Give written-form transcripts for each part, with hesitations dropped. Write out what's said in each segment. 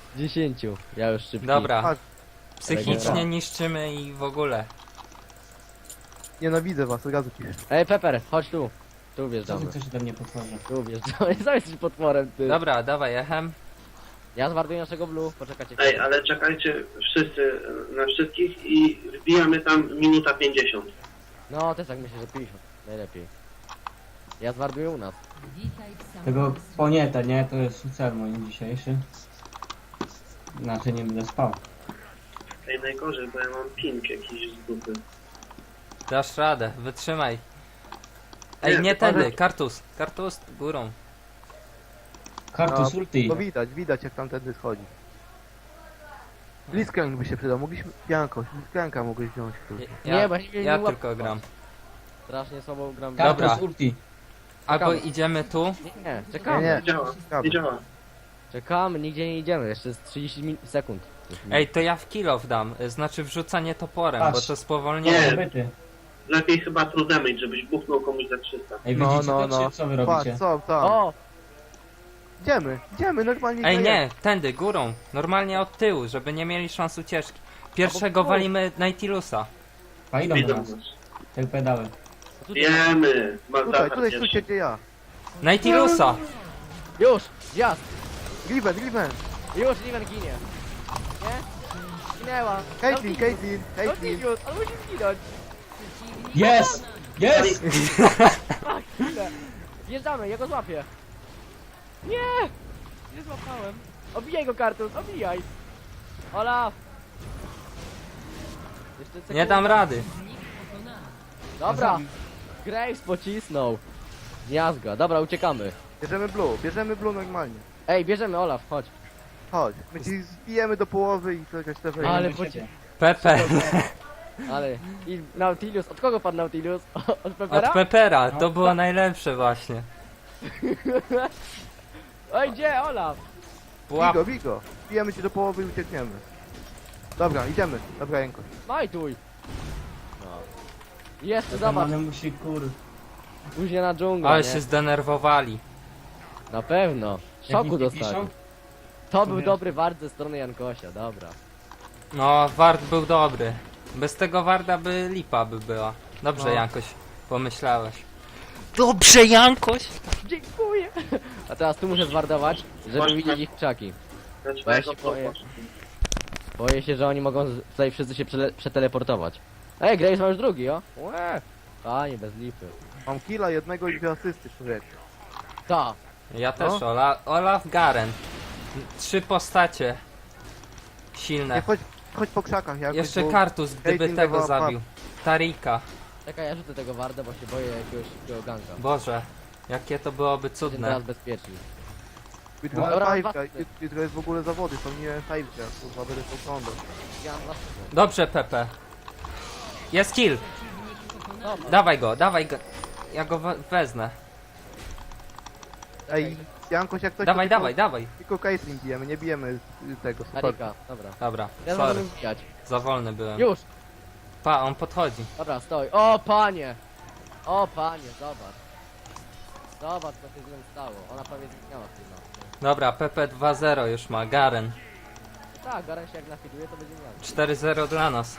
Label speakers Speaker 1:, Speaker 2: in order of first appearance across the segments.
Speaker 1: 10. Ja już szybki.
Speaker 2: Dobra.
Speaker 3: Chodź.
Speaker 2: Psychicznie niszczymy i w ogóle.
Speaker 3: Nienawidzę was, od razu piszę.
Speaker 1: Ej, Pepper, chodź tu. Tu
Speaker 4: Co
Speaker 1: wjeżdżamy.
Speaker 4: ty coś ode mnie potworzy?
Speaker 1: Tu wjeżdżamy. Co jesteś potworem, ty?
Speaker 2: Dobra, dawaj, echem.
Speaker 1: Ja zwarduję naszego blue, poczekajcie.
Speaker 5: Ej, ale czekajcie wszyscy na wszystkich i wbijamy tam minuta 50.
Speaker 1: No, też tak myślę, że 50. Najlepiej. Ja zwarduję u nas.
Speaker 4: Tego ponieta, nie? To jest cel mój dzisiejszy. Inaczej nie będę spał.
Speaker 5: Ej, najgorzej, bo ja mam ping jakiś z dupy.
Speaker 2: Dasz radę, wytrzymaj. Ej,
Speaker 5: Nie,
Speaker 2: nie
Speaker 5: ale-
Speaker 2: tędy, kartus. Kartus górą.
Speaker 4: Kartus ulti.
Speaker 3: To widać jak tamtędy schodzi. Blitzcrank by się przydał, mogliśmy... Janko, Blitzcranka mogłeś wziąć. kurde.
Speaker 1: Nie, bo ja nie
Speaker 2: Ja
Speaker 1: łapam.
Speaker 2: tylko gram.
Speaker 1: Strasznie słabo gram.
Speaker 2: Dobra.
Speaker 4: Kartus ulti.
Speaker 2: Albo
Speaker 1: Czekamy.
Speaker 2: idziemy tu.
Speaker 1: Nie,
Speaker 3: Nie,
Speaker 1: czekamy.
Speaker 3: nie.
Speaker 5: Nie działa, nie działa.
Speaker 1: Czekamy, nigdzie nie idziemy. Jeszcze z 30 sekund.
Speaker 2: Ej, to ja w kill dam. Znaczy wrzucanie toporem,
Speaker 4: Patrz.
Speaker 2: bo to spowolnienie.
Speaker 5: Nie.
Speaker 4: Byty.
Speaker 5: Lepiej chyba true damage, żebyś buchnął komuś za 300.
Speaker 4: Ej,
Speaker 3: No,
Speaker 4: widzicie
Speaker 3: no,
Speaker 4: to,
Speaker 3: no.
Speaker 4: czy co wy
Speaker 3: Patrz,
Speaker 4: robicie?
Speaker 3: co tam?
Speaker 1: O!
Speaker 3: Idziemy, normalnie.
Speaker 2: Ej,
Speaker 3: idziemy.
Speaker 2: nie, tędy, górą. Normalnie od tyłu, żeby nie mieli szans ucieczki. Pierwszego
Speaker 1: Albo
Speaker 2: walimy Nautilusa.
Speaker 4: A idą do
Speaker 5: Widzą
Speaker 4: nas.
Speaker 5: nas.
Speaker 4: Te pedały.
Speaker 5: Wiemy!
Speaker 3: Tutaj stójcie gdzie ja.
Speaker 2: Nautilusa!
Speaker 1: Już! Zjazd!
Speaker 3: Riven!
Speaker 1: Już, Riven ginie. Nie? Zginęła.
Speaker 3: Caitlyn!
Speaker 1: No Tilius, on musi zginąć.
Speaker 4: Jest! Jest!
Speaker 1: Ach, chwilę. Wjeżdżamy, ja go złapię. Nie! Nie złapałem. Obijaj go, Kartus, obijaj. Olaf! Jeszcze
Speaker 2: Nie
Speaker 1: sekunda.
Speaker 2: dam rady.
Speaker 1: Dobra. Graves pocisnął. Miazga. Dobra, uciekamy.
Speaker 3: Bierzemy blue normalnie.
Speaker 1: Ej, bierzemy Olaf, chodź.
Speaker 3: Chodź, my ci zbijemy do połowy i to jakaś lewej.
Speaker 1: Ale
Speaker 4: Do
Speaker 1: po-
Speaker 4: siebie.
Speaker 2: Pepe.
Speaker 1: Ale... I Nautilus, od kogo padł Nautilus? Od
Speaker 2: Od
Speaker 1: Pepera?
Speaker 2: Pepera. To było najlepsze właśnie.
Speaker 1: Oj, gdzie Olaf?
Speaker 2: Pułap.
Speaker 3: Bigo! Zbijemy ci do połowy i uciekniemy. Dobra, idziemy. Dobra, Janko.
Speaker 1: Majtuj. No. Jeszcze
Speaker 4: Ten
Speaker 1: zobacz,
Speaker 4: man musi
Speaker 1: później na dżunglę,
Speaker 2: Ale
Speaker 1: nie?
Speaker 2: się zdenerwowali.
Speaker 1: Na pewno.
Speaker 4: Jak
Speaker 1: Szoku
Speaker 4: nic nie
Speaker 1: dostali.
Speaker 4: piszą?
Speaker 1: To był
Speaker 4: wiesz.
Speaker 1: dobry wart ze strony Jankosia, dobra.
Speaker 2: No, Ward był dobry. Bez tego Warda by lipa by była. Dobrze,
Speaker 3: No.
Speaker 2: Jankoś, pomyślałeś. Dobrze, Jankoś!
Speaker 1: Dziękuję. A teraz tu muszę zwardować, żeby
Speaker 5: Właśnie.
Speaker 1: widzieć ich krzaki.
Speaker 5: Znaczy,
Speaker 1: Bo ja się boję. Boję się, że oni mogą tutaj wszyscy się przeteleportować. Ej, Graves ma już drugi, o? Łe. Panie, bez lipy.
Speaker 3: Mam killa jednego i 2 asysty, człowiek.
Speaker 1: Ta.
Speaker 2: Ja też,
Speaker 3: No.
Speaker 2: Olaf Garen. 3 postacie.
Speaker 3: Nie,
Speaker 2: Silne.
Speaker 3: chodź po krzakach, Janko.
Speaker 2: Jeszcze Kartus, gdyby
Speaker 3: Caitlyn
Speaker 2: tego
Speaker 3: dawała
Speaker 2: zabił. Tarika.
Speaker 1: Czekaj, ja rzucę tego warda, bo się boję jakiegoś szybkiego ganka.
Speaker 2: Boże, jakie to byłoby
Speaker 1: Jestem
Speaker 2: cudne.
Speaker 1: teraz bezpieczni.
Speaker 3: Jutro
Speaker 1: Dobra,
Speaker 3: jest
Speaker 1: dwa-
Speaker 3: fajka, jutro jest w ogóle zawody, to nie fajka, kurwa, będę to oglądał.
Speaker 1: Ja mam was.
Speaker 2: Dobrze, Pepe. Jest kill.
Speaker 1: Dobra.
Speaker 2: Dawaj go. Ja go wezmę.
Speaker 3: Ej, Jankoś, jak coś
Speaker 2: Dawaj,
Speaker 3: to
Speaker 2: dawaj.
Speaker 3: Tylko Caitlyn bijemy, nie bijemy tego, super.
Speaker 1: Tarika, dobra.
Speaker 2: Dobra,
Speaker 1: Ja
Speaker 2: sorry,
Speaker 1: możemy wbijać.
Speaker 2: za wolny byłem.
Speaker 1: Już!
Speaker 2: Pa, on podchodzi.
Speaker 1: Dobra, stoi. O panie! O panie, zobacz. Zobacz co się z nią stało. Ona prawie zginęła chyba.
Speaker 2: Dobra, Pepe 2-0 już ma, Garen.
Speaker 1: Tak, Garen się jak nafiduje to będzie miał.
Speaker 2: 4-0 dla nas.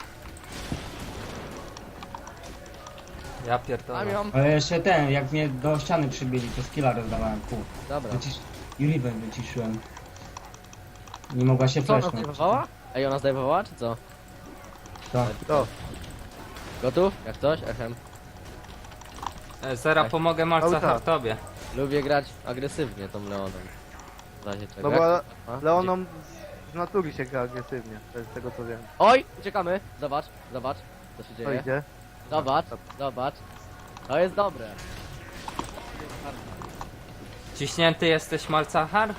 Speaker 2: Ja
Speaker 1: Mam
Speaker 2: pierdolę.
Speaker 1: ją.
Speaker 4: Ale jeszcze ten, jak mnie do ściany przybili, to skilla rozdawałem, kur.
Speaker 1: Dobra.
Speaker 4: I Riven wyciszyłem. Nie mogła się
Speaker 1: Co, ona
Speaker 4: flashnąć.
Speaker 1: zdejmowała? Ej, ona zdejmowała czy co?
Speaker 4: Tak.
Speaker 3: To,
Speaker 1: Gotów? Jak coś? Echem.
Speaker 2: Zera pomogę Malca
Speaker 3: Cały czas.
Speaker 2: Hartobie.
Speaker 1: Lubię grać agresywnie tą Leoną. W razie czego.
Speaker 3: no bo
Speaker 1: Jak- a?
Speaker 3: Leoną z natury się gra agresywnie, to jest z tego co wiem.
Speaker 1: Oj! Uciekamy! Zobacz, zobacz. Co się
Speaker 3: To
Speaker 1: dzieje.
Speaker 3: idzie?
Speaker 1: Zobacz, zobacz. To jest dobre.
Speaker 2: Ciśnięty jesteś, Malcachar?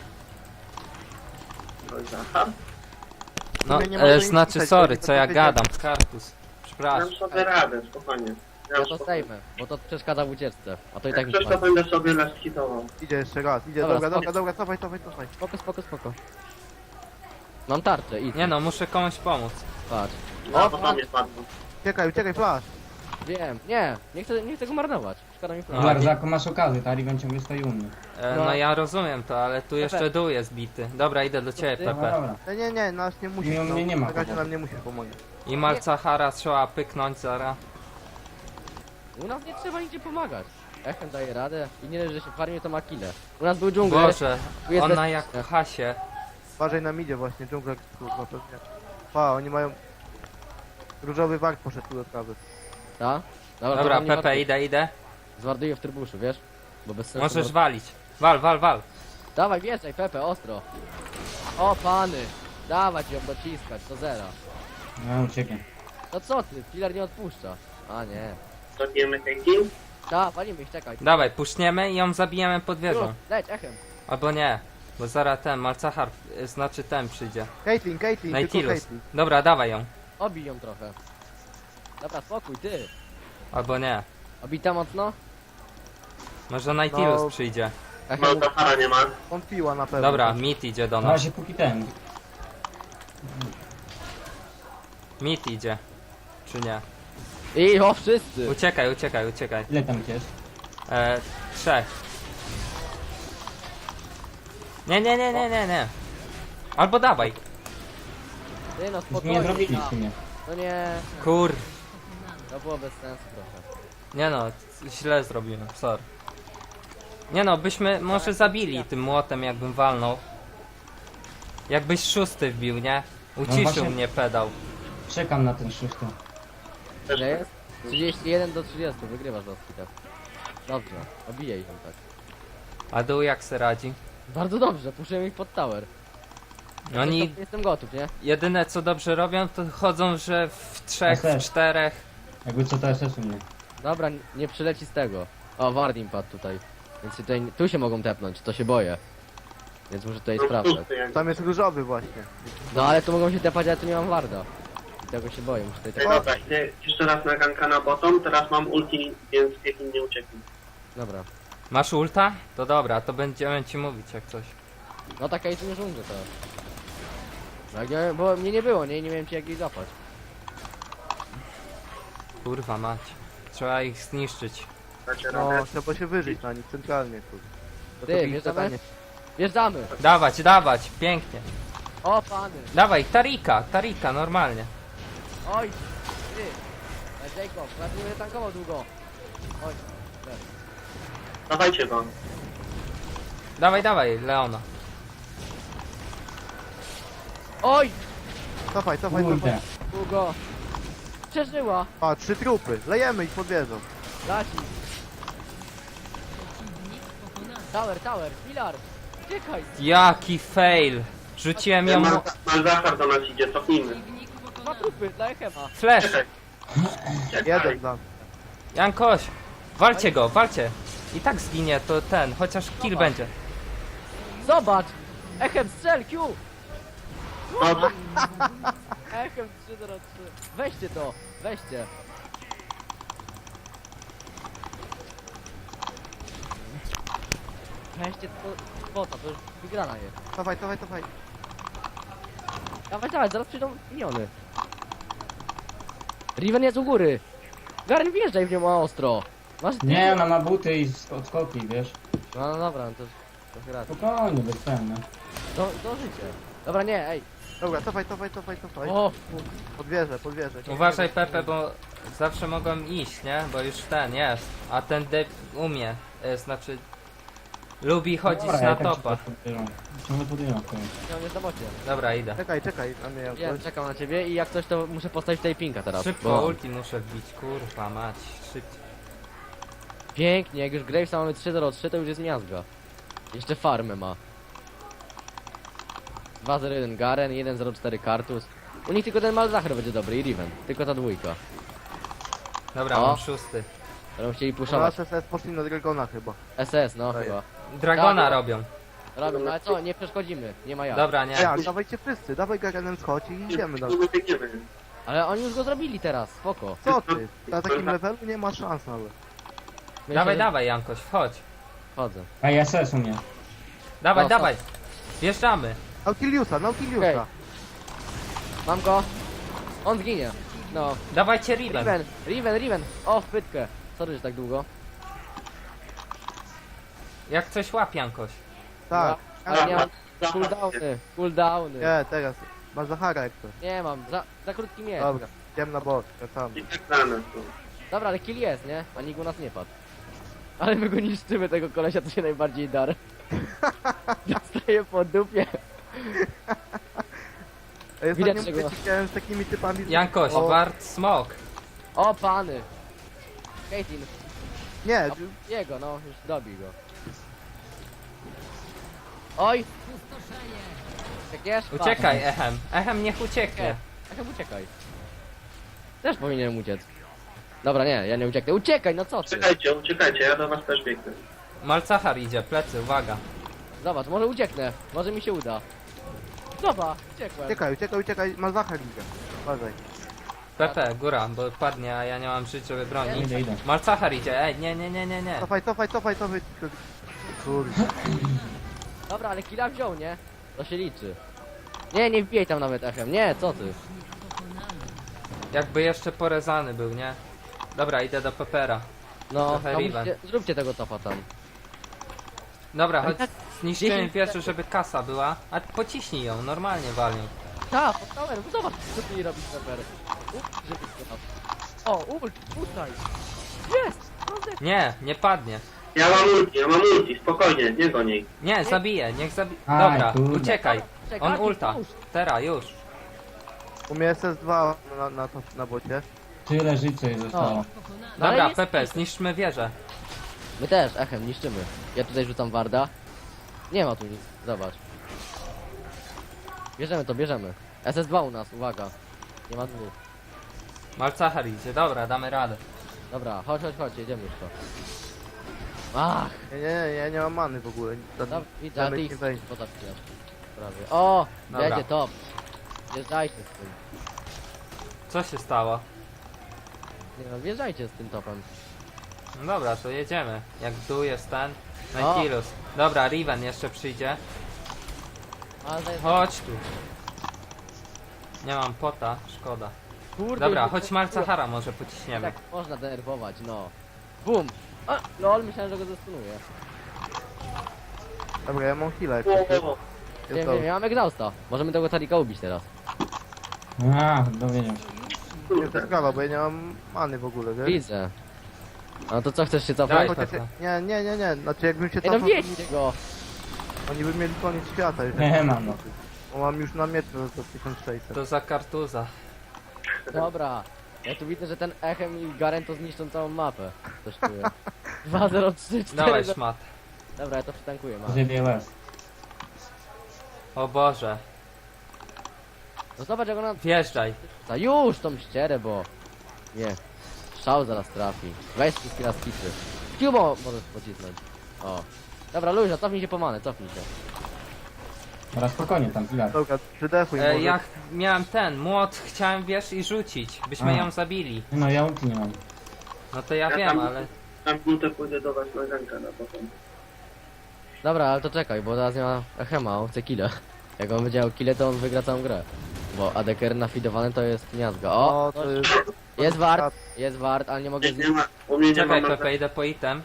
Speaker 5: Aha,
Speaker 2: No,
Speaker 3: Nie mogę nic
Speaker 2: znaczy
Speaker 3: pisać,
Speaker 2: sorry,
Speaker 3: bo
Speaker 2: co ja
Speaker 3: to
Speaker 2: gadam, Kartus. Przepraszam.
Speaker 5: dam sobie radę, spokojnie.
Speaker 1: Ja to zdejmę, bo to przeszkadza w ucieczce. A to i tak
Speaker 5: Jak
Speaker 1: mi
Speaker 5: coś, to
Speaker 1: spadnie.
Speaker 5: będę sobie raz hitował.
Speaker 3: Idzie jeszcze raz, idzie,
Speaker 1: Dobra,
Speaker 3: dobra, cofaj.
Speaker 1: Spoko, spoko, spoko. Mam tarczę, idź.
Speaker 2: Nie no, muszę komuś pomóc.
Speaker 1: Patrz.
Speaker 5: No, bo tam nie padło.
Speaker 3: Uciekaj, flash.
Speaker 1: Wiem, nie chcę go marnować. Szkoda mi
Speaker 2: No,
Speaker 1: prawa.
Speaker 4: Bardzo, jaką masz okazję, ta Riven ciągle stoi u mnie.
Speaker 2: No
Speaker 1: No.
Speaker 2: ja rozumiem to, ale tu jeszcze dół jest bity. Dobra, idę do ciebie,
Speaker 1: Ty?
Speaker 4: Dobra,
Speaker 2: Pepe.
Speaker 4: dobra.
Speaker 3: Nie, nas nie musisz.
Speaker 4: Nie, mnie nie ma
Speaker 3: Na razie
Speaker 4: kłopotu.
Speaker 3: nam nie musisz pomagać.
Speaker 2: I Malcahara trzeba pyknąć zara.
Speaker 1: U nas nie trzeba nigdzie pomagać. Echem daje radę i nie leży, że się farmie to ma kile. U nas był dżungler.
Speaker 2: Boże,
Speaker 1: tu jest
Speaker 2: ona
Speaker 1: bez-
Speaker 2: jak w hasie.
Speaker 3: Uważaj nam idzie właśnie, dżungla kurwa pewnie. Pa, oni mają... Różowy wart poszedł tu do trawy.
Speaker 1: Ta?
Speaker 2: Dobra,
Speaker 1: to nie
Speaker 2: Pepe,
Speaker 1: marnuj.
Speaker 2: idę.
Speaker 1: Zwarduję w trybuszu, wiesz? Bo bez sensu.
Speaker 2: Możesz walić. Wal.
Speaker 1: Dawaj, wjeżdżaj, Pepe, ostro. O, pany. Dawać ją dociskać, do zera.
Speaker 4: No, uciekam.
Speaker 1: No co ty, killer nie odpuszcza. A nie.
Speaker 5: Zabijemy Caitlyn.
Speaker 1: Da, walimy ich, czekaj.
Speaker 2: Dawaj, puszniemy i ją zabijemy pod
Speaker 1: Tu,
Speaker 2: wieżą.
Speaker 1: leć, echem.
Speaker 2: Albo nie, bo zaraz ten Malcahar, znaczy ten przyjdzie.
Speaker 3: Caitlyn, tylko
Speaker 2: Nautilus.
Speaker 3: Caitlyn.
Speaker 2: Dobra, dawaj ją.
Speaker 1: Obij ją trochę. Dobra, spokój, ty.
Speaker 2: Albo nie.
Speaker 1: Obita mocno?
Speaker 2: Może Nautilus
Speaker 3: No.
Speaker 2: przyjdzie.
Speaker 1: Echem,
Speaker 5: Malzahara nie ma.
Speaker 3: Wątpiła na pewno.
Speaker 2: Dobra, Mit idzie do
Speaker 4: Na
Speaker 2: nas.
Speaker 4: razie póki ten.
Speaker 2: Mit idzie. Czy nie?
Speaker 1: I o, wszyscy.
Speaker 2: Uciekaj.
Speaker 4: Ile tam jest?
Speaker 2: 3. Nie. Albo dawaj.
Speaker 1: Ty no,
Speaker 4: Już
Speaker 1: spokojnie.
Speaker 4: mnie nie zrobili
Speaker 1: da.
Speaker 4: w sumie.
Speaker 1: No nie,
Speaker 2: Kur...
Speaker 1: to było bez sensu trochę.
Speaker 2: Nie no, źle zrobiłem, sorry. Nie no, byśmy może zabili tym młotem, jakbym walnął. Jakbyś szósty wbił, nie? Uciszył
Speaker 4: właśnie-
Speaker 2: mnie pedał.
Speaker 4: Czekam na ten szósty.
Speaker 1: Ile jest? 31 do 30, wygrywasz doski tak. Dobrze, obijaj ją tak.
Speaker 2: A dół jak se radzi?
Speaker 1: Bardzo dobrze, puszczę ich pod tower.
Speaker 2: Oni
Speaker 1: Jestem gotów, nie?
Speaker 2: jedyne co dobrze robią, to chodzą, że w 3, w
Speaker 4: SS.
Speaker 2: 4.
Speaker 4: Jakby co to SS u mnie.
Speaker 1: Dobra, nie przyleci z tego. O, Wardim padł tutaj. Więc tutaj, tu się mogą tepnąć, to się boję. Więc muszę tutaj
Speaker 5: No,
Speaker 1: sprawdzać.
Speaker 5: pusty jak-
Speaker 3: Tam jest różowy właśnie.
Speaker 1: No ale tu mogą się tepać, ale tu nie mam Warda. I tego się boję, muszę tutaj
Speaker 5: Ej,
Speaker 1: tepać.
Speaker 5: dobra, idę jeszcze raz na ganka na bottom, teraz mam ulti, więc Caitlyn nie ucieknie.
Speaker 1: Dobra.
Speaker 2: Masz ulta? To dobra, to będziemy ci mówić jak coś.
Speaker 1: No taka jest nie żądże teraz. No, jak bo mnie nie było, nie miałem ci jak jej zapać.
Speaker 2: Kurwa mać. Trzeba ich zniszczyć.
Speaker 5: Dacie
Speaker 3: No,
Speaker 5: radę?
Speaker 3: trzeba się wyżyć na nich centralnie tu. To
Speaker 1: Ty,
Speaker 3: to ich
Speaker 1: wjeżdżamy?
Speaker 3: zadanie.
Speaker 1: Wjeżdżamy!
Speaker 2: Dawać, pięknie.
Speaker 1: O, pany!
Speaker 2: Dawaj, Tarika, normalnie.
Speaker 1: Oj! Ty! Jacob, ja tu nie tankował długo. Oj,
Speaker 5: Dawajcie go.
Speaker 2: Dawaj, Leona.
Speaker 1: oj!
Speaker 3: Cofaj.
Speaker 4: Kurde.
Speaker 1: Długo! Przeżyła!
Speaker 3: A, 3 trupy. Lejemy ich pod wieżą.
Speaker 1: Laci! Tower, filar! Uciekaj!
Speaker 2: Jaki fail. Rzuciłem ją...
Speaker 5: Malzahar do nas idzie, cofnijmy.
Speaker 1: 2 trupy dla Echema.
Speaker 2: Flash.
Speaker 5: Czekaj.
Speaker 3: Jeden dla mnie.
Speaker 2: Jankoś. Walcie. I tak zginie, to ten, chociaż kill będzie.
Speaker 1: Zobacz! Echem, strzel, Q!
Speaker 5: Dobrze.
Speaker 1: Echem 3-0-3. Weźcie to, weźcie. Weźcie to spota, to już wygrana jest.
Speaker 3: Cofaj.
Speaker 1: Dawaj, zaraz przyjdą miniony. Riven jest u góry. Garen, wjeżdżaj w nią ostro. Masz
Speaker 4: Nie, ona ma buty i odskoki, wiesz.
Speaker 1: No dobra, no to trochę racji.
Speaker 4: Spokojnie, bez ten, no.
Speaker 1: Do życia. Dobra, nie, ej.
Speaker 3: Dobra, cofaj.
Speaker 1: O,
Speaker 3: Pod wieżę.
Speaker 2: Uważaj Pepe, bo zawsze mogą iść, nie? Bo już ten jest. A ten umie. Znaczy... Lubi chodzić
Speaker 4: Dobra,
Speaker 2: na
Speaker 4: ja tak
Speaker 2: topa.
Speaker 4: Ciągle podjęłam to.
Speaker 1: on jest na bocie.
Speaker 2: Dobra, idę.
Speaker 3: Czekaj, a mnie
Speaker 1: Ja czekam na ciebie i jak coś to muszę postawić tutaj pinka teraz.
Speaker 2: Szybko
Speaker 1: bo-
Speaker 2: ulti muszę wbić, kurwa mać. Szybciej.
Speaker 1: Pięknie, jak już Gravesa mamy 3-0-3, to już jest miazga. Jeszcze farmę ma. 2-0-1 Garen, 1-0-4 Kartus. U nich tylko ten Malzahar będzie dobry i Riven. Tylko ta dwójka.
Speaker 2: Dobra,
Speaker 1: O.
Speaker 2: mam szósty.
Speaker 1: Będą chcieli
Speaker 3: Na
Speaker 1: puszować.
Speaker 3: SS poszli na Dragona chyba.
Speaker 1: SS, no
Speaker 3: Daję.
Speaker 1: chyba.
Speaker 2: Dragona
Speaker 1: Tak.
Speaker 2: robią.
Speaker 1: Robią, no ale co, nie przeszkodzimy. Nie ma jak.
Speaker 2: Dobra, nie.
Speaker 3: Jak, dawajcie wszyscy. Dawaj Garenem schodź i idziemy dalej.
Speaker 5: Nie biegniemy.
Speaker 1: Ale oni już go zrobili teraz, spoko.
Speaker 3: Co ty? Na takim levelu nie ma szans nawet.
Speaker 1: Myślę, że-
Speaker 2: Dawaj, Jankoś, wchodź.
Speaker 1: Chodzę.
Speaker 4: A i SS u mnie.
Speaker 2: Dawaj,
Speaker 1: No,
Speaker 2: dawaj. Wjeżdżamy.
Speaker 3: Nautiliusa.
Speaker 1: Okej. Mam go. On zginie. No.
Speaker 2: Dawajcie Riven.
Speaker 1: Riven. O, w pytkę. Sorry, że tak długo.
Speaker 2: Jak coś łap Jankoś.
Speaker 3: Tak.
Speaker 1: Ale nie mam
Speaker 5: Zapasy.
Speaker 1: cooldowny.
Speaker 3: Nie, teraz. Masz Zachara jak to.
Speaker 1: Nie mam, za krótki miecz.
Speaker 3: Dobra, idziemy na bot, wracamy.
Speaker 5: I tak dane są.
Speaker 1: Dobra, ale kill jest, nie? A nikt u nas nie padł. Ale my go niszczymy, tego kolesia, to się najbardziej dar. Dostaje po dupie.
Speaker 3: Ej,
Speaker 1: Widać,
Speaker 3: ostatnio
Speaker 1: czego-
Speaker 3: wyciekałem z takimi typami...
Speaker 2: Jankoś,
Speaker 3: O,
Speaker 2: wart smok.
Speaker 1: O, pany. Caitlyn,
Speaker 3: Nie,
Speaker 1: jego, no, już dobij go. Oj! Uciekniesz?
Speaker 2: Uciekaj, Echem. Echem niech ucieknie.
Speaker 1: Nie, tak uciekaj. Też powinienem uciec. Dobra, nie, ja nie ucieknę. Uciekaj, no co ty?
Speaker 5: Uciekajcie, ja do was też biegnę.
Speaker 2: Malcachar idzie, plecy, uwaga.
Speaker 1: Zobacz, może ucieknę. Może mi się uda. Zobacz, uciekłem.
Speaker 3: uciekaj, masz Zachar idzie. Uważaj.
Speaker 2: Pepe, góra, bo padnie, a ja nie mam żyć, żeby bronić.
Speaker 4: Idę.
Speaker 2: Malcachar idzie, ej, nie.
Speaker 3: Cofaj. Kurde.
Speaker 1: Dobra, ale killa wziął, nie? To się liczy. Nie wbijaj tam nawet echem. Nie, co ty?
Speaker 2: Jakby jeszcze porezany był, nie? Dobra, idę do Pepera.
Speaker 1: No,
Speaker 2: Trochę
Speaker 1: no
Speaker 2: Riven.
Speaker 1: zróbcie tego topa tam.
Speaker 2: Dobra,
Speaker 1: Ale
Speaker 2: chodź,
Speaker 1: tak
Speaker 2: zniszczyłem
Speaker 1: 10
Speaker 2: wieżę, żeby kasa była, a pociśnij ją, normalnie walnij.
Speaker 1: Ta, pod towerem, zobacz co ty robisz Pepper. Żeby to tam. O, ult, tutaj. Jest! Rozek.
Speaker 2: Nie padnie.
Speaker 5: Ja mam ulti, spokojnie, nie go niej.
Speaker 2: Nie, zabiję, niech zabije.
Speaker 4: Aj,
Speaker 2: Dobra,
Speaker 4: kurde.
Speaker 2: uciekaj.
Speaker 1: Czekaj,
Speaker 2: On ulta.
Speaker 1: pomóż.
Speaker 2: Teraz, już.
Speaker 3: U mnie SS2 na bocie.
Speaker 4: Tyle życia jej zostało.
Speaker 1: No, ale
Speaker 2: Dobra,
Speaker 1: jest-
Speaker 2: Pepe, zniszczmy wieżę.
Speaker 1: My też, echem, niszczymy. Ja tutaj rzucam warda. Nie ma tu nic, zobacz. Bierzemy. SS2 u nas, uwaga. Nie ma dwóch.
Speaker 2: Malcachar idzie, dobra, damy radę.
Speaker 1: Dobra, chodź, jedziemy już to. Ach,
Speaker 3: Nie mam many w ogóle.
Speaker 1: dobra, widzę, a ty
Speaker 3: Zamek
Speaker 1: ich
Speaker 3: nie wejdzie.
Speaker 1: pozapijasz. Prawie. O,
Speaker 2: Dobra.
Speaker 1: będzie top. Wjeżdżajcie z tym.
Speaker 2: Co się stało?
Speaker 1: Nie no, wjeżdżajcie z tym topem.
Speaker 2: No dobra, to jedziemy. Jak dół jest ten,
Speaker 1: O.
Speaker 2: Nautilus. Dobra, Riven jeszcze przyjdzie.
Speaker 1: Ale to jest...
Speaker 2: Chodź tu. Nie mam pota, szkoda.
Speaker 1: Kurde,
Speaker 2: Dobra,
Speaker 1: już-
Speaker 2: chodź Malcachara może pociśniemy.
Speaker 1: Tak można denerwować, no. Bum! A, lol, myślałem, że go zastunuję.
Speaker 3: Dobra, ja mam heal'a jak
Speaker 5: O,
Speaker 3: coś.
Speaker 5: o, o.
Speaker 3: Jest
Speaker 1: Wiem,
Speaker 3: dobrze.
Speaker 1: ja mam exhausta. Możemy tego Tarika ubić teraz.
Speaker 4: A, dowiedział się.
Speaker 3: Nie, to
Speaker 5: Kurde.
Speaker 3: jest sprawa, bo ja nie mam many w ogóle, wiesz?
Speaker 1: Widzę. No to co, chcesz się
Speaker 2: Daj,
Speaker 1: cofnąć?
Speaker 3: Chociaż
Speaker 2: Pepe.
Speaker 3: nie. Znaczy jakbym się
Speaker 1: Ej, no
Speaker 3: cofnął,
Speaker 1: wjedźcie go!
Speaker 3: oni by mieli koniec świata już.
Speaker 4: Nie mam no.
Speaker 3: Bo mam już na mieczu za 1600.
Speaker 2: To za kartuza.
Speaker 1: Dobra. Ja tu widzę, że ten Echem i Garen to zniszczą całą mapę. Coś czuję. 2, 0, 3, 4...
Speaker 2: Dawaj szmat.
Speaker 1: Dobra, ja to przytankuję, ma.
Speaker 4: Zjebie łez.
Speaker 2: O Boże.
Speaker 1: No zobacz jak ona...
Speaker 2: Wjeżdżaj.
Speaker 1: Ta już tą ścierę, bo... Nie. Szał zaraz trafi. Weź wszystkie raz kitry. Cubo możesz pocisnąć. O. Dobra, luźno, cofnij się po manę, cofnij się.
Speaker 4: Dobra, spokojnie tam, chwilę.
Speaker 3: Dobra, przydechuj może.
Speaker 2: Ja miałem ten młot, chciałem wiesz i rzucić. Byśmy
Speaker 4: A.
Speaker 2: ją zabili.
Speaker 4: No ja ulti nie mam.
Speaker 2: No to ja
Speaker 5: Ja
Speaker 2: wiem,
Speaker 5: tam-
Speaker 2: ale...
Speaker 5: Na minutę pójdę do was na rękę na potem.
Speaker 1: Dobra, ale to czekaj, bo teraz nie ma Echema, on chce kile. Jak on będzie miał kile, to on wygra całą grę. Bo ADKR nafidowany to jest miazga. O!
Speaker 3: O, to jest...
Speaker 1: Jest wart, ale nie mogę
Speaker 5: Nie
Speaker 1: zniszczyć.
Speaker 5: ma, u mnie nie
Speaker 2: Czekaj
Speaker 5: ma
Speaker 2: Pepe, idę po item.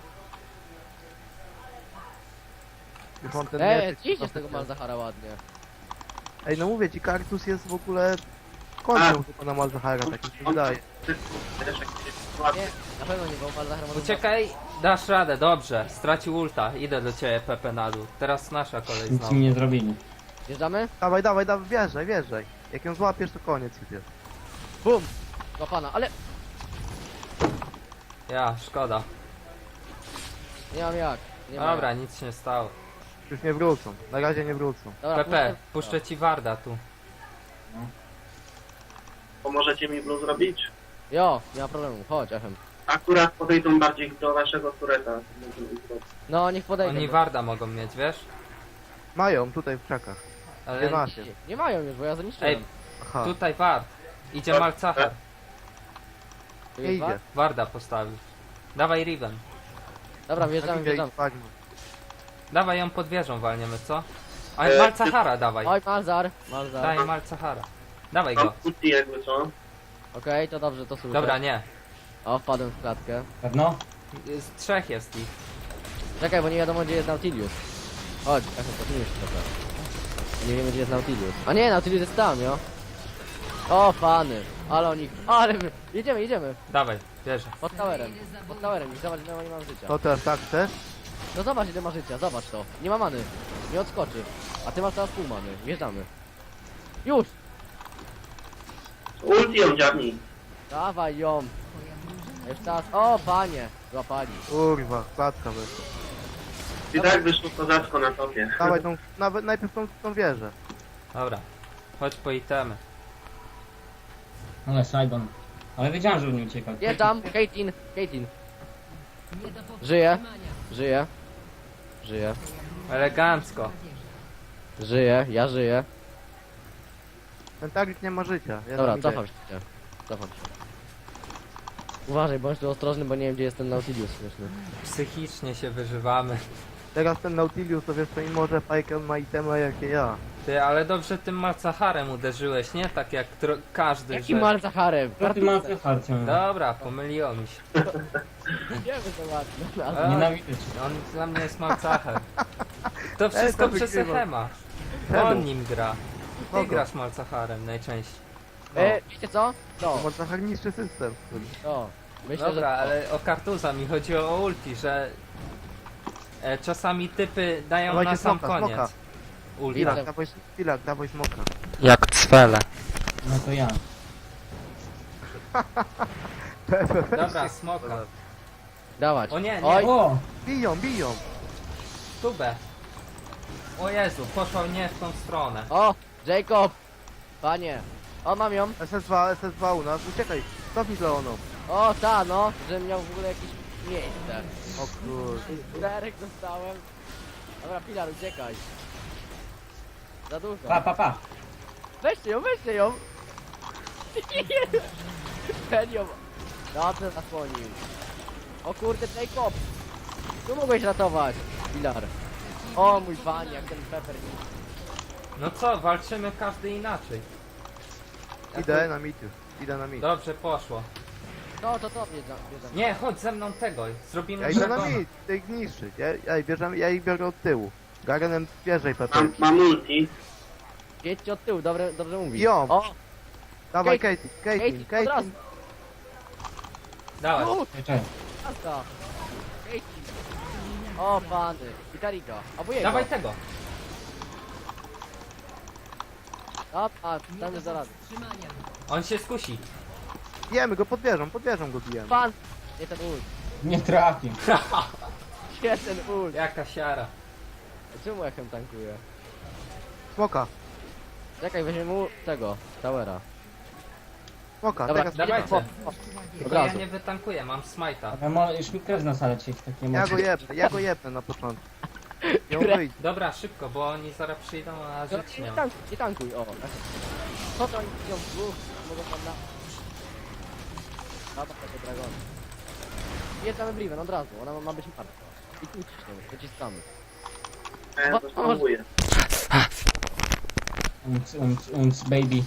Speaker 3: Już mam ten
Speaker 1: Ej,
Speaker 3: mieczyk,
Speaker 1: idźcie
Speaker 3: no
Speaker 1: z tego Malzahara ładnie.
Speaker 3: Ej, no mówię ci, Kartus jest w ogóle... Kończą tylko na Malzahara, tak mi się wydaje.
Speaker 1: Nie, na pewno nie, bo Malzahar może...
Speaker 2: Uciekaj, dasz radę, dobrze. Stracił ulta, idę do ciebie Pepe na dół. Teraz nasza kolej
Speaker 4: Nic
Speaker 2: znowu.
Speaker 4: mi nie zrobili.
Speaker 1: Wjeżdżamy?
Speaker 3: Dawaj, wjeżdżaj. Jak ją złapiesz, to koniec już jest.
Speaker 1: Bum! Złapana, ale
Speaker 2: Ja, szkoda.
Speaker 1: nie mam jak. Nie mam
Speaker 2: Dobra,
Speaker 1: jak.
Speaker 2: nic się nie stało.
Speaker 3: Już nie wrócą. Na razie nie wrócą.
Speaker 1: Dobra,
Speaker 2: Pepe, puszczę ci Warda tu.
Speaker 5: Pomożecie mi blue zrobić?
Speaker 1: Jo, nie ma problemu, chodź, Echem.
Speaker 5: Akurat podejdą bardziej do waszego tureta.
Speaker 1: No, niech podejdę.
Speaker 2: Oni Warda mogą mieć, wiesz?
Speaker 3: Mają, tutaj w krzakach.
Speaker 2: Ale...
Speaker 3: Nie macie.
Speaker 1: Nie mają już, bo ja zniszczyłem.
Speaker 2: Ej,
Speaker 3: Aha,
Speaker 2: tutaj Ward. Idzie Malcachar.
Speaker 1: Tu
Speaker 3: nie
Speaker 1: jest
Speaker 3: idzie.
Speaker 1: wart?
Speaker 2: Warda postawił. Dawaj Riven.
Speaker 1: Dobra, wjeżdżamy,
Speaker 3: idzie i
Speaker 1: wjeżdżamy.
Speaker 3: spadnie.
Speaker 2: Dawaj ją pod wieżą walniemy, co? A
Speaker 5: E,
Speaker 2: Malcachara dawaj.
Speaker 1: Oj, Malzar.
Speaker 2: Daj Malcachara. Dawaj
Speaker 5: Mam
Speaker 2: go.
Speaker 5: ulti jakby co?
Speaker 1: Okej, to dobrze, to słyszę.
Speaker 2: Dobra, nie.
Speaker 1: O, wpadłem w klatkę.
Speaker 4: Pewno?
Speaker 2: Z trzech jest ich.
Speaker 1: Czekaj, bo nie wiadomo gdzie jest Nautilus. Chodź, Kasia, cofnijmy się trochę. Nie wiemy gdzie jest Nautilus. A nie, Nautilus jest tam, jo. O, pany. Ale oni... Ale my... Jedziemy, jedziemy.
Speaker 2: Dawaj, bierze.
Speaker 1: Pod towerem. Pod towerem. I zobacz, ile nie mam życia.
Speaker 3: To też tak chcesz?
Speaker 1: No zobacz, ile ma życia. Zobacz to. Nie ma many. Nie odskoczy. A ty masz teraz pół many. Wjeżdżamy. Już!
Speaker 5: Ulti ją dziabnij.
Speaker 1: Dawaj ją. A już teraz... O, panie. Złapali.
Speaker 3: Kurwa, klatka wyszła.
Speaker 5: I tak wyszło kozacko na topie.
Speaker 3: Dawaj tą, nawet najpierw tą wieżę.
Speaker 2: Dobra. Chodź po itemy.
Speaker 4: Ale Saigon. Ale wiedziałem, że nie uciekał.
Speaker 1: Jeżdżam. Caitlyn. Caitlyn. Żyje. Żyje. Żyje.
Speaker 2: Elegancko.
Speaker 1: Żyje. Ja żyję.
Speaker 3: Ten taglik nie ma życia. Ja
Speaker 1: Dobra,
Speaker 3: tam idę.
Speaker 1: cofam się. Cofam się. Uważaj, bądź tu ostrożny, bo nie wiem gdzie jest ten Nautilus śmieszny.
Speaker 2: Psychicznie się wyżywamy.
Speaker 3: Teraz ten Nautilus, to wiesz co, i może Fajkę ma itemy jakie ja.
Speaker 2: Ty, ale dobrze tym Malzacharem uderzyłeś, nie? Tak jak każdy,
Speaker 1: Jaki
Speaker 2: że...
Speaker 1: mal Zacharem?
Speaker 4: Co ty masz farcią?
Speaker 2: Dobra, pomyliło mi się.
Speaker 1: Wiemy to ładnie.
Speaker 2: A,
Speaker 4: Nienawidzę cię.
Speaker 2: On dla mnie jest Malzachar. To wszystko
Speaker 3: to
Speaker 2: przez
Speaker 3: wygrywa.
Speaker 2: Echema.
Speaker 3: Czemu?
Speaker 2: On nim gra. Ty
Speaker 3: Kogo?
Speaker 2: grasz Malzacharem najczęściej.
Speaker 1: Wiecie co? To,
Speaker 3: Może trochę niższy system.
Speaker 1: to. Myślę,
Speaker 2: Dobra,
Speaker 1: że...
Speaker 2: ale o Kartuza mi chodziło o ulti, że czasami typy dają
Speaker 3: Dawajcie
Speaker 2: na sam
Speaker 3: smoka,
Speaker 2: koniec.
Speaker 3: smoka.
Speaker 2: Ulti.
Speaker 1: Ile?
Speaker 3: Chwilak, dawaj smoka.
Speaker 2: Jak cwele.
Speaker 4: No to ja.
Speaker 2: Dobra, smoka.
Speaker 1: Dawać.
Speaker 2: O nie, nie.
Speaker 1: Oj,
Speaker 4: O!
Speaker 3: Biją, biją.
Speaker 2: Tubę. O Jezu, poszła nie w tą stronę.
Speaker 1: o, Jacob. Panie. O, mam ją.
Speaker 3: SS2 u nas. Uciekaj. Cofnij Leoną.
Speaker 1: O, ta, no. Że miał w ogóle jakieś miejsce.
Speaker 3: O kurde.
Speaker 1: Derek dostałem. Dobra, Pilar, uciekaj. Za dużo.
Speaker 4: Pa.
Speaker 1: Weźcie ją, weźcie ją. Ten ją. Dobrze zasłonił. O kurde, Jacob. Tu mogłeś ratować, Pilar. O mój panie, jak ten Pepper.
Speaker 2: No co, walczymy każdy inaczej.
Speaker 3: Idę na mid już. Idę na mid.
Speaker 2: Dobrze poszło.
Speaker 1: To bierzam.
Speaker 2: Nie, chodź ze mną tego. Zrobimy
Speaker 3: Ja idę na
Speaker 2: dragona.
Speaker 3: mid. Chcę ich niszczyć. Ja ich biorę od tyłu. Garenem bierze i Pepe.
Speaker 5: Mam ulti.
Speaker 1: Jedźcie od tyłu, dobrze mówi.
Speaker 3: Ją.
Speaker 1: O,
Speaker 3: Dawaj
Speaker 1: Caitlyn,
Speaker 3: Caitlyn.
Speaker 1: od razu.
Speaker 2: Dawaj.
Speaker 4: Czekaj.
Speaker 1: Asta. Caitlyn. O, pany. Witarika. Albo jego.
Speaker 2: Dawaj tego.
Speaker 1: A, tam jest zaraz.
Speaker 2: On się skusi.
Speaker 3: Bijemy go pod wieżą go bijemy.
Speaker 1: Pan. Nie ten ult.
Speaker 4: Nie trafił.
Speaker 1: Nie ten ult.
Speaker 2: Jaka siara.
Speaker 1: Czemu echem tankuje?
Speaker 3: Smoka.
Speaker 1: Czekaj, weźmiemy mu tego, towera.
Speaker 3: Smoka.
Speaker 1: Dobra,
Speaker 3: Teraz
Speaker 2: dawajcie.
Speaker 1: Od
Speaker 2: Tylko ja
Speaker 1: razu.
Speaker 2: nie wytankuję, mam smajta.
Speaker 4: Ale już mi krew na salę cię tak nie może.
Speaker 3: ja go jebnę na początku. Ją
Speaker 1: Które-
Speaker 3: wyjdzie.
Speaker 2: Dobra, szybko, bo oni zaraz przyjdą, a żyć nie ma.
Speaker 1: Nie tankuj, o. Co to oni ją w dwóch? Mogą tam na... Dobra, tego dragona. Jedziemy Briven od razu, ona ma być martwa. I tu ciśniemy, wyciskamy.
Speaker 5: A ja to spróbuję.
Speaker 4: Unc, baby.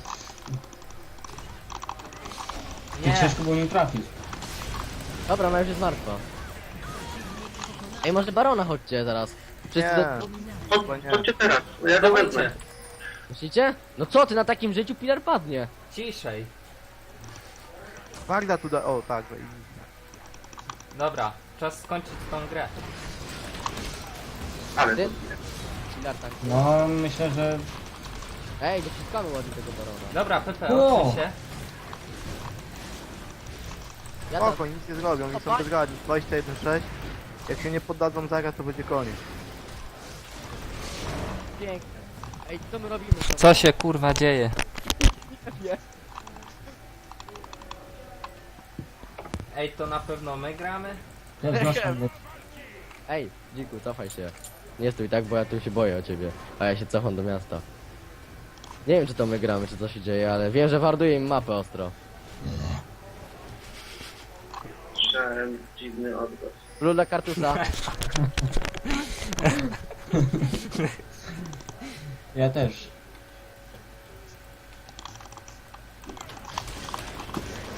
Speaker 4: Ty
Speaker 2: Nie,
Speaker 4: ciężko było nie trafić.
Speaker 1: Dobra, ona już jest martwa. Ej, może Barona chodźcie zaraz. Wszyscy
Speaker 3: Nie.
Speaker 1: do...
Speaker 5: Chodźcie teraz, ja go wezmę.
Speaker 2: dawajcie.
Speaker 1: Myślicie? No co ty, na takim życiu Pilar padnie.
Speaker 2: Ciszej.
Speaker 3: Magda tu da... O, tak.
Speaker 2: Dobra, czas skończyć tą grę.
Speaker 5: Ale
Speaker 1: Ty? Pilar tankuje.
Speaker 4: No, myślę, że...
Speaker 1: Ej, dociskamy ładnie tego Barona.
Speaker 2: Dobra, Pepe,
Speaker 4: O!
Speaker 2: odsuń się.
Speaker 1: Ja tam...
Speaker 3: Spoko, nic nie zrobią, oni są
Speaker 1: Opa.
Speaker 3: bezradni. 21-6. Jak się nie poddadzą zaraz, to będzie koniec.
Speaker 1: Piękne. Ej, co my robimy?
Speaker 2: Co się kurwa dzieje?
Speaker 1: Nie.
Speaker 2: Ej, to na pewno my gramy?
Speaker 4: Ja wznoszę go.
Speaker 1: Ej, dziku, cofaj się. Nie stój tak, bo ja tu się boję o ciebie. A ja się cofam do miasta. Nie wiem, czy to my gramy, czy co się dzieje, ale wiem, że warduje im mapę ostro.
Speaker 5: słyszałem dziwny odgłos.
Speaker 1: Blue dla Kartusa.
Speaker 4: Ja też.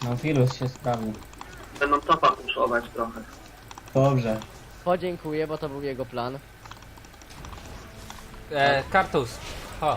Speaker 4: No wirus się sprawił.
Speaker 5: Będą topa puszować trochę.
Speaker 4: Dobrze.
Speaker 1: Podziękuję, bo to był jego plan.
Speaker 2: Kartus. Ho.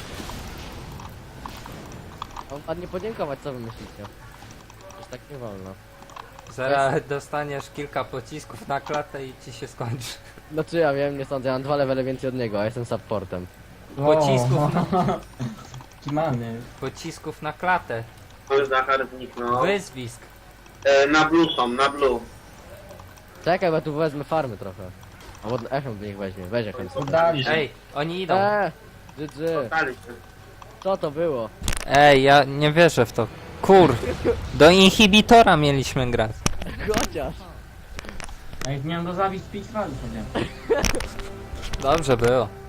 Speaker 1: On ładnie podziękować, co wy myślicie? Już tak nie wolno.
Speaker 2: Zaraz dostaniesz kilka pocisków na klatę i ci się skończy.
Speaker 1: Znaczy ja wiem, nie sądzę, ja mam 2 levele więcej od niego, a jestem supportem.
Speaker 2: Pocisków
Speaker 4: Kimany.
Speaker 2: Pocisków na klatę.
Speaker 5: Ale Zachar zniknął.
Speaker 2: Wyzwisk.
Speaker 5: Na blue są, na blue.
Speaker 1: Czekaj, bo ja tu wezmę farmy trochę. Albo Echem do nich weźmie, weź Echem.
Speaker 4: Udali się.
Speaker 2: Ej, oni idą.
Speaker 1: GG,
Speaker 5: Stali się.
Speaker 1: co to było?
Speaker 2: Ej, ja nie wierzę w to. Kur. Do inhibitora mieliśmy grać.
Speaker 1: Chociaż.
Speaker 4: Ej, miałem go zabić z 5 razy, nie?
Speaker 2: Dobrze było.